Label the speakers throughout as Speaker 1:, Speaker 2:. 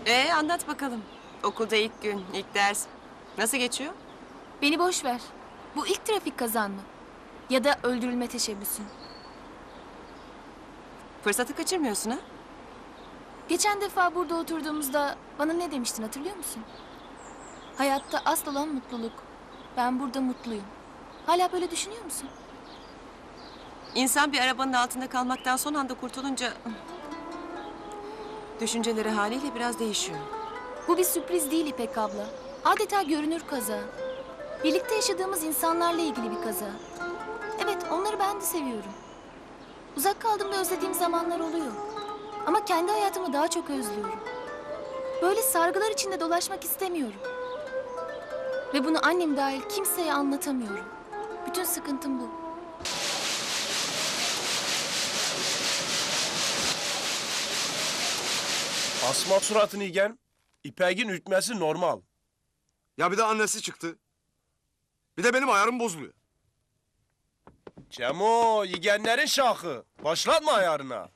Speaker 1: Anlat bakalım. Okulda ilk gün, ilk ders. Nasıl geçiyor?
Speaker 2: Beni boş ver. Bu ilk trafik kazan mı? Ya da öldürülme teşebbüsün.
Speaker 1: Fırsatı kaçırmıyorsun ha?
Speaker 2: Geçen defa burada oturduğumuzda bana ne demiştin hatırlıyor musun? Hayatta asıl olan mutluluk. Ben burada mutluyum. Hala böyle düşünüyor musun?
Speaker 1: İnsan bir arabanın altında kalmaktan son anda kurtulunca... düşünceleri haliyle biraz değişiyor.
Speaker 2: Bu bir sürpriz değil İpek abla. Adeta görünür kaza. Birlikte yaşadığımız insanlarla ilgili bir kaza. Evet, onları ben de seviyorum. Uzak kaldığımda özlediğim zamanlar oluyor. Ama kendi hayatımı daha çok özlüyorum. Böyle sargılar içinde dolaşmak istemiyorum. Ve bunu annem dahil kimseye anlatamıyorum. Bütün sıkıntım bu.
Speaker 3: Asma suratını yiyen, İpek'in ütmesi normal.
Speaker 4: Ya bir de annesi çıktı. Bir de benim ayarım bozuluyor.
Speaker 3: Cemo, yigenlerin şahı. Başlatma ayarına.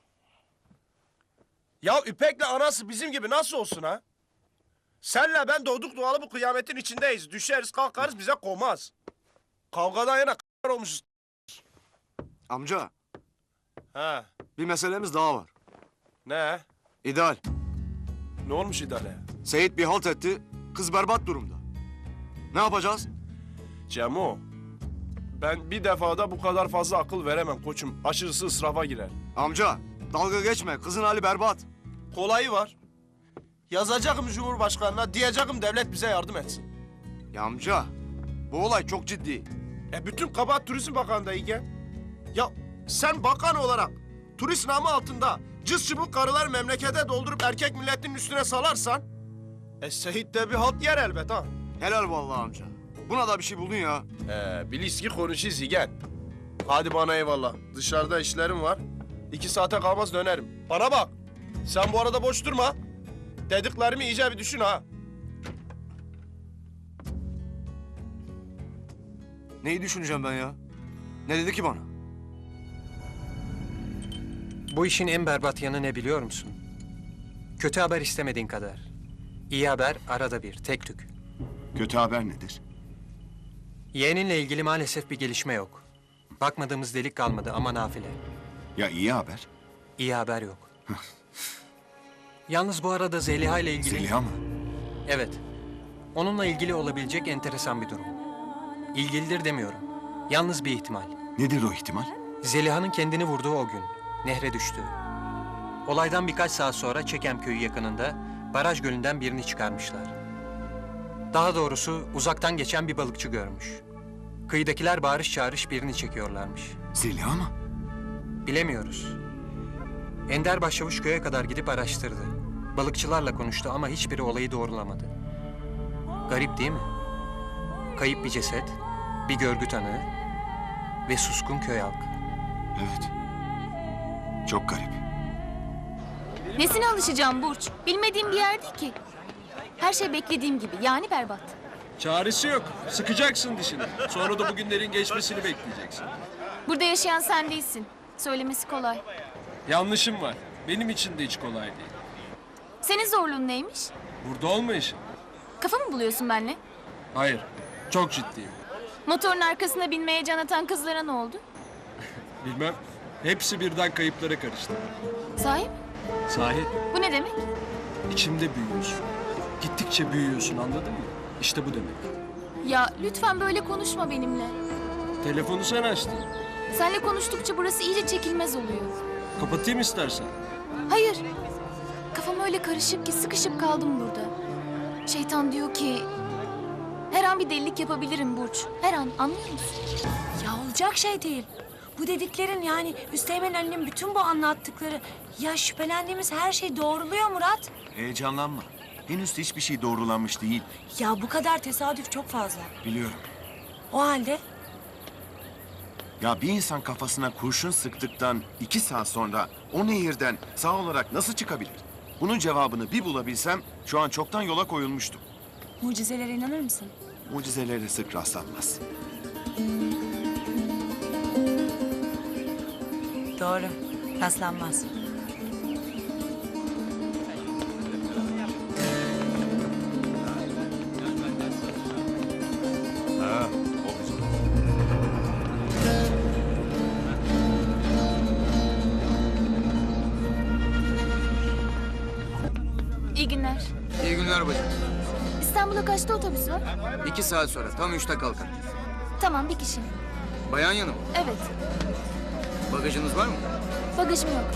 Speaker 3: Ya İpek'le anası bizim gibi nasıl olsun ha? Senle ben doğduk doğalı bu kıyametin içindeyiz. Düşeriz kalkarız bize komaz. Kavgadan yana olmuşuz.
Speaker 4: Amca,
Speaker 3: Ha,
Speaker 4: bir meselemiz daha var.
Speaker 3: ne?
Speaker 4: İdeal.
Speaker 3: Ne olmuş idare?
Speaker 4: Seyit bir halt etti, kız berbat durumda. Ne yapacağız?
Speaker 3: Cemo, ben bir defada bu kadar fazla akıl veremem koçum. Aşırısı ısrafa girer.
Speaker 4: Amca, dalga geçme, kızın hali berbat.
Speaker 3: Kolayı var. Yazacağım Cumhurbaşkanı'na, diyeceğim devlet bize yardım etsin.
Speaker 4: Ya amca, bu olay çok ciddi.
Speaker 3: Bütün kabahat Turizm Bakanı'nda İlgen. Ya sen bakan olarak turist namı altında cız çıbık karılar memlekete doldurup erkek milletinin üstüne salarsan... Seyit de bir halt yer elbet ha.
Speaker 4: Helal vallahi amca. Buna da bir şey buldun ya.
Speaker 3: Bilis ki konuşuyuz İlgen. Hadi bana eyvallah. Dışarıda işlerim var. 2 saate kalmaz dönerim. Bana bak. Sen bu arada boş durma. Dediklerimi iyice bir düşün ha.
Speaker 4: Neyi düşüneceğim ben ya? Ne dedi ki bana?
Speaker 5: Bu işin en berbat yanı ne biliyor musun? Kötü haber istemediğin kadar. İyi haber arada bir, tek tük.
Speaker 6: Kötü haber nedir?
Speaker 5: Yeğeninle ilgili maalesef bir gelişme yok. Bakmadığımız delik kalmadı ama nafile.
Speaker 6: Ya iyi haber?
Speaker 5: İyi haber yok. Yalnız bu arada Zeliha ile ilgili...
Speaker 6: Zeliha mı?
Speaker 5: Evet. Onunla ilgili olabilecek enteresan bir durum. İlgilidir demiyorum. Yalnız bir ihtimal.
Speaker 6: Nedir o ihtimal?
Speaker 5: Zeliha'nın kendini vurduğu o gün. Nehre düştü. Olaydan birkaç saat sonra Çekem köyü yakınında baraj gölünden birini çıkarmışlar. Daha doğrusu uzaktan geçen bir balıkçı görmüş. Kıyıdakiler bağırış çağırış birini çekiyorlarmış.
Speaker 6: Zeliha mı?
Speaker 5: Bilemiyoruz. Ender Başçavuş köye kadar gidip araştırdı. Balıkçılarla konuştu ama hiçbiri olayı doğrulamadı. Garip değil mi? Kayıp bir ceset, bir görgü tanığı ve suskun köy halkı.
Speaker 6: Evet. Çok garip.
Speaker 2: Nesine alışacağım Burç? Bilmediğim bir yer değil ki. Her şey beklediğim gibi, yani berbat.
Speaker 7: Çaresi yok. Sıkacaksın dişini. Sonra da bugünlerin geçmesini bekleyeceksin.
Speaker 2: Burada yaşayan sen değilsin. Söylemesi kolay.
Speaker 7: Yanlışım var. Benim için de hiç kolay değil.
Speaker 2: Senin zorluğun neymiş?
Speaker 7: Burada olmayışın.
Speaker 2: Kafa mı buluyorsun benimle?
Speaker 7: Hayır. Çok ciddiyim.
Speaker 2: Motorun arkasına binmeye can atan kızlara ne oldu?
Speaker 7: Bilmem. Hepsi birden kayıplara karıştı.
Speaker 2: Sahi mi?
Speaker 7: Sahi.
Speaker 2: Bu ne demek?
Speaker 7: İçimde büyüyorsun. Gittikçe büyüyorsun, anladın mı? İşte bu demek.
Speaker 2: Ya lütfen böyle konuşma benimle.
Speaker 7: Telefonu sen açtın.
Speaker 2: Seninle konuştukça burası iyice çekilmez oluyor.
Speaker 7: Kapatayım istersen.
Speaker 2: Hayır. Kafam öyle karışık ki sıkışıp kaldım burada. Şeytan diyor ki... Her an bir delilik yapabilirim Burç. Her an, anlıyor musun?
Speaker 8: Ya olacak şey değil. Bu dediklerin yani Üsteğmen Ali'nin bütün bu anlattıkları... Ya şüphelendiğimiz her şey doğruluyor Murat.
Speaker 6: Heyecanlanma. Henüz hiçbir şey doğrulanmış değil.
Speaker 8: Ya bu kadar tesadüf çok fazla.
Speaker 6: Biliyorum.
Speaker 8: O halde
Speaker 6: Ya bir insan kafasına kurşun sıktıktan 2 saat sonra o nehirden sağ olarak nasıl çıkabilir? Bunun cevabını bir bulabilsem şu an çoktan yola koyulmuştum.
Speaker 8: mucizelere inanır mısın?
Speaker 6: Mucizelere sık rastlanmaz.
Speaker 8: Doğru. Rastlanmaz.
Speaker 2: İyi günler.
Speaker 9: İyi günler bacım.
Speaker 2: İstanbul'a kaçta otobüs var?
Speaker 9: 2 saat sonra tam 3'te kalkar.
Speaker 2: Tamam, bir kişi.
Speaker 9: Bayan yanı mı?
Speaker 2: Evet,
Speaker 9: Bagajınız var mı?
Speaker 2: bagajım yok.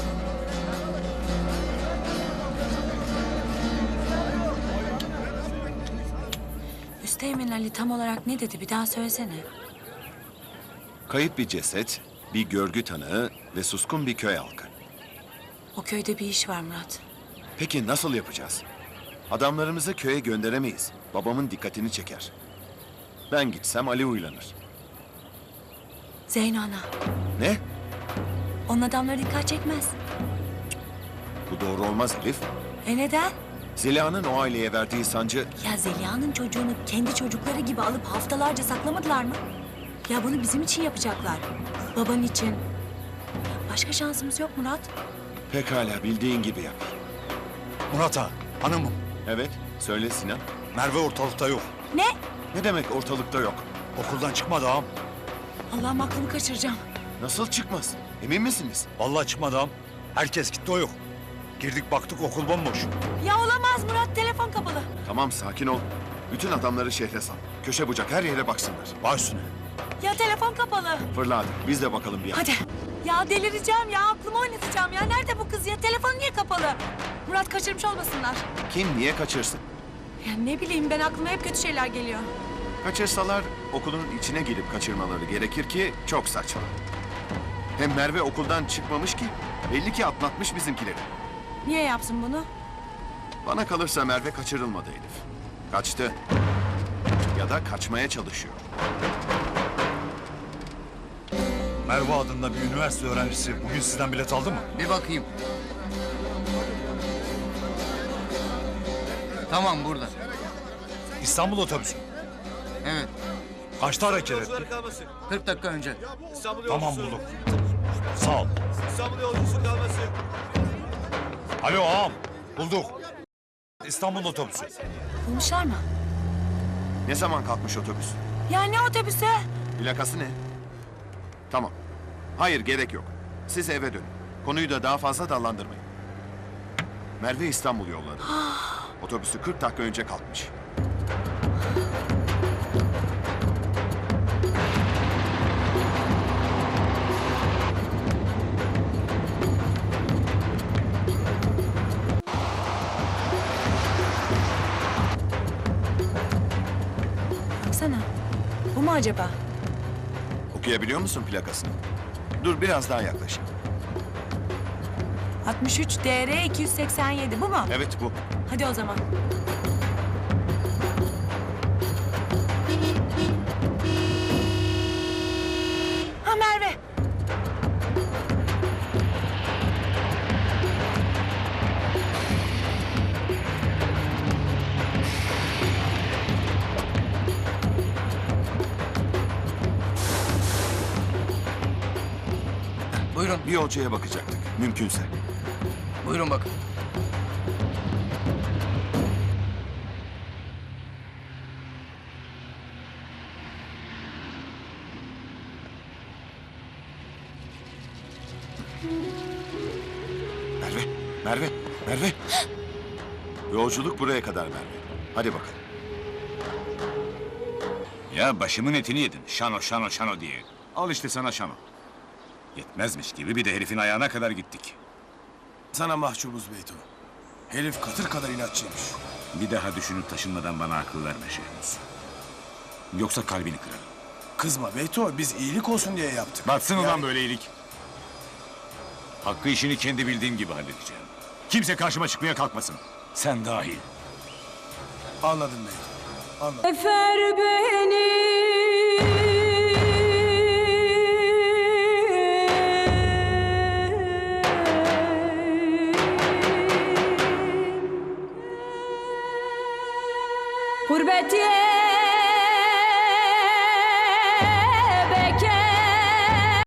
Speaker 8: Üsteğmen Ali tam olarak ne dedi? Bir daha söylesene.
Speaker 6: Kayıp bir ceset, bir görgü tanığı ve suskun bir köy halkı.
Speaker 8: O köyde bir iş var Murat.
Speaker 6: Peki nasıl yapacağız? Adamlarımızı köye gönderemeyiz. Babamın dikkatini çeker. Ben gitsem Ali uylanır.
Speaker 8: Zeyno ana.
Speaker 6: Ne?
Speaker 8: Onun adamları dikkat çekmez.
Speaker 6: Bu doğru olmaz Elif.
Speaker 8: Neden?
Speaker 6: Zeliha'nın o aileye verdiği sancı...
Speaker 8: Ya Zeliha'nın çocuğunu kendi çocukları gibi alıp haftalarca saklamadılar mı? Ya bunu bizim için yapacaklar. Baban için. Başka şansımız yok Murat.
Speaker 6: Pekala bildiğin gibi yap.
Speaker 4: Murat ağa, hanımım.
Speaker 6: Evet, söyle Sinan.
Speaker 4: Merve ortalıkta yok.
Speaker 8: Ne?
Speaker 6: Ne demek ortalıkta yok?
Speaker 4: Okuldan çıkmadı ağam.
Speaker 8: Allah'ım aklımı kaçıracağım.
Speaker 6: Nasıl çıkmaz? Emin misiniz?
Speaker 4: Vallahi çıkmadı ağam. Herkes gitti, o yok. Girdik baktık okul bomboş.
Speaker 8: Ya olamaz Murat, telefon kapalı.
Speaker 6: Tamam sakin ol. Bütün adamları şehre sal. Köşe bucak her yere baksınlar.
Speaker 4: Baş üstüne.
Speaker 8: Ya telefon kapalı.
Speaker 6: Fırla hadi. Biz de bakalım bir yana.
Speaker 8: Hadi. Ya delireceğim ya, aklımı oynatacağım ya. Nerede bu kız ya? Telefonu niye kapalı? Murat kaçırmış olmasınlar.
Speaker 6: Kim niye kaçırsın?
Speaker 8: Ya ne bileyim ben, aklıma hep kötü şeyler geliyor.
Speaker 6: Kaçırsalar okulun içine girip kaçırmaları gerekir ki çok saçma. Hem Merve okuldan çıkmamış ki. Belli ki atlatmış bizimkileri.
Speaker 8: Niye yapsın bunu?
Speaker 6: Bana kalırsa Merve kaçırılmadı Elif. Kaçtı. Ya da kaçmaya çalışıyor.
Speaker 4: Merve adında bir üniversite öğrencisi bugün sizden bilet aldı mı?
Speaker 9: Bir bakayım. Tamam burada.
Speaker 4: İstanbul otobüsü.
Speaker 9: Evet.
Speaker 4: Kaçta hareket etti?
Speaker 9: 40 dakika önce.
Speaker 4: Tamam bulduk. Sağ ol. Alo ağam. Bulduk. İstanbul otobüsü.
Speaker 8: Bulmuşlar mı?
Speaker 6: Ne zaman kalkmış otobüs?
Speaker 8: Ya ne otobüsü?
Speaker 6: Plakası ne? Tamam. Hayır gerek yok. Siz eve dönün. Konuyu da daha fazla dallandırmayın. Merve İstanbul yolladı. Otobüsü 40 dakika önce kalkmış.
Speaker 8: Baksana. Bu mu acaba?
Speaker 6: Okuyabiliyor musun plakasını? Dur biraz daha yaklaşayım.
Speaker 8: 63 DR 287, bu mu?
Speaker 6: Evet bu.
Speaker 8: Hadi o zaman. Ha Merve.
Speaker 9: Buyurun.
Speaker 6: Bir hocaya bakacaktık. Mümkünse.
Speaker 9: Buyurun bakın.
Speaker 6: Merve, Merve, Merve. Yolculuk buraya kadar Merve. Hadi bakalım.
Speaker 10: Ya başımın etini yedin. Şano, şano, şano diye. Al işte sana şano. Yetmezmiş gibi bir de herifin ayağına kadar gittik.
Speaker 3: Sana mahcubuz Beyto. Herif katır kadar inatçıymış.
Speaker 10: Bir daha düşünüp taşınmadan bana akıl verme Şehmus. Yoksa kalbini kırarım.
Speaker 3: Kızma Beyto, biz iyilik olsun diye yaptık.
Speaker 10: Batsın ulan böyle iyilik. Hakkı işini kendi bildiğim gibi halledeceğim. Kimse karşıma çıkmaya kalkmasın. Sen dahil.
Speaker 3: Anladım Beyto, anladım.
Speaker 8: Efer beni. Gurbet